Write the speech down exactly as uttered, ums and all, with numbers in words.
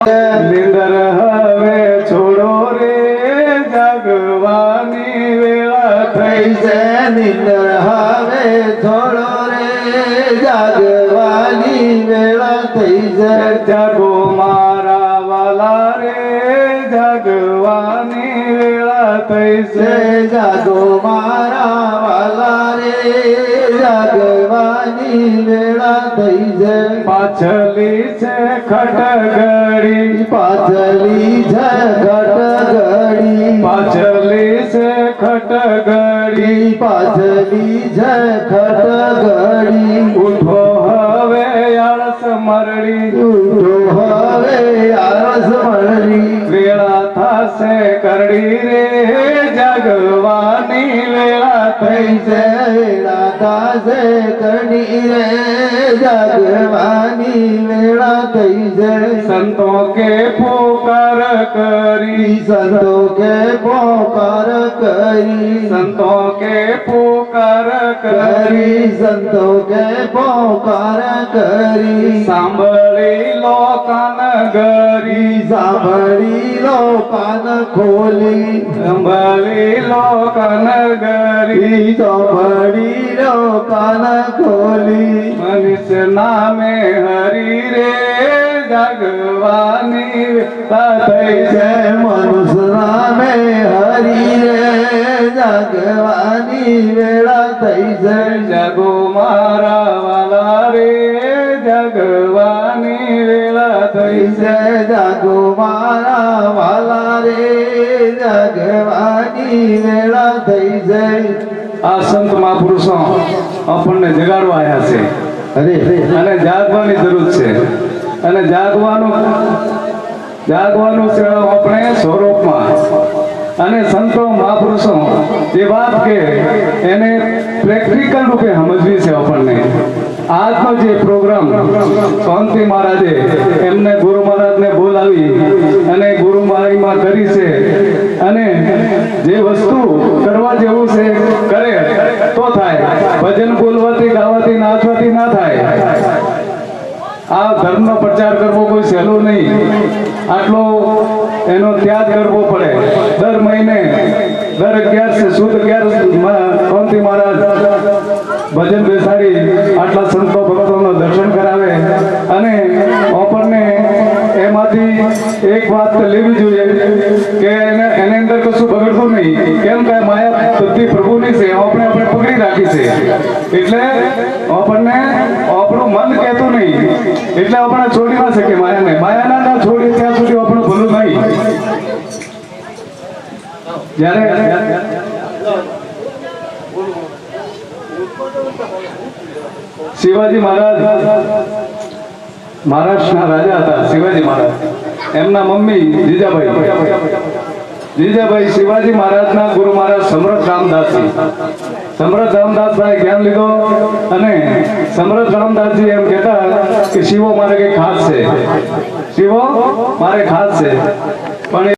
નિંદર હવે છોડો રે જાગવાની વેળા થઈ છે. નિંદર હવે છોડો રે જાગવાની વેળા થઈ છે. જાગો મારા વાલા રે જાગવાની વેળા થઈ છે. જાગો મારા વાલા રે જાગવાની વેળા થઈ છે. પાછલી છે ખટગડી પાછલી છે ખટગડી પાછલી છે ખટગડી પાછલી છે ખટગડી ઉઠો હવે આળસ મરડી ઉઠો હવે આળસ મરડી વેળા થાશે કરડી રે જાગવાની વેળા થઈ છે. વેળા થાશે કરડી રે જાગવાની વેળા થઈ છે. સંતો કે પુકાર કરી સંતો કે પોકાર કરી સંતો કે પુકાર કરી કરી સંતો કે પોકાર કરી સાંભળી લો કાન ગરી સાંભળી લો કાન ખોલી સાંભળી લો કાન ગરી સાંભળી લો કાન ખોલી મનુષ્ય નામે હરી રે જાગવાની વેળા થઈ છે. મનુષ્ય નામે હરી રે જાગવાની વેળા થઈ છે. જાગો મારા વાલા રે જાગવાની વેળા થઈ છે. જાગો મારા વાલા રે જાગવાની વેળા થઈ છે. આ સંત મહાપુરુષો આપણને જગાડવા આવ્યા છે અરે અને જાગવાની જરૂર છે. અને જાગવાનું જાગવાનું છે આપણે સ્વરૂપમાં. અને સંતો મહાપુરુષો એ વાત કે એને પ્રેક્ટિકલ રૂપે સમજવી છે આપણને. આજનો જે પ્રોગ્રામ શાંતિ મહારાજે એમને ગુરુ મહારાજને બોલાવી અને ગુરુ મહારાજમાં કરી છે. અને જે વસ્તુ કરવા જેવું છે કરે તો થાય. ભજન બોલવાથી ગાવાથી નાચવાથી ના થાય. આ ધર્મનો પ્રચાર કરવો કોઈ સહેલું નહીં. આટલો એનો ત્યાગ કરવો પડે. દર મહિને દર અગિયાર સુદ અગિયાર શાંતિ મહારાજ ભજન બેસાડી આટલા સંતો ભક્તોનો દર્શન કરાવે. અને આપણને એમાંથી એક વાત લેવી જોઈએ કે એને એની અંદર કશું બગડતું નહીં. કેમ કે માયા બધી પ્રભુની છે, આપણે આપણે પકડી રાખી છે. એટલે આપણને આપણું મન કહેતું નહીં એટલે આપણે છોડી ના શકીએ માયાને. માયાના ના છોડીએ ત્યાં સુધી આપણું ભલું નહીં. જ્યારે શિવાજી મહારાજ મહારાષ્ટ્રના રાજા હતા. શિવાજી મહારાજ એમના મમ્મી જીજાબાઈ જીજાબાઈ શિવાજી મહારાજના ગુરુ મહારાજ સમર્થ રામદાસજી સમર્થ રામદાસભાઈ જ્ઞાન લીધો. અને સમર્થ રામદાસજી એમ કહેતા કે શિવો મારે કઈ ખાસ છે, શિવો મારે ખાસ છે. પણ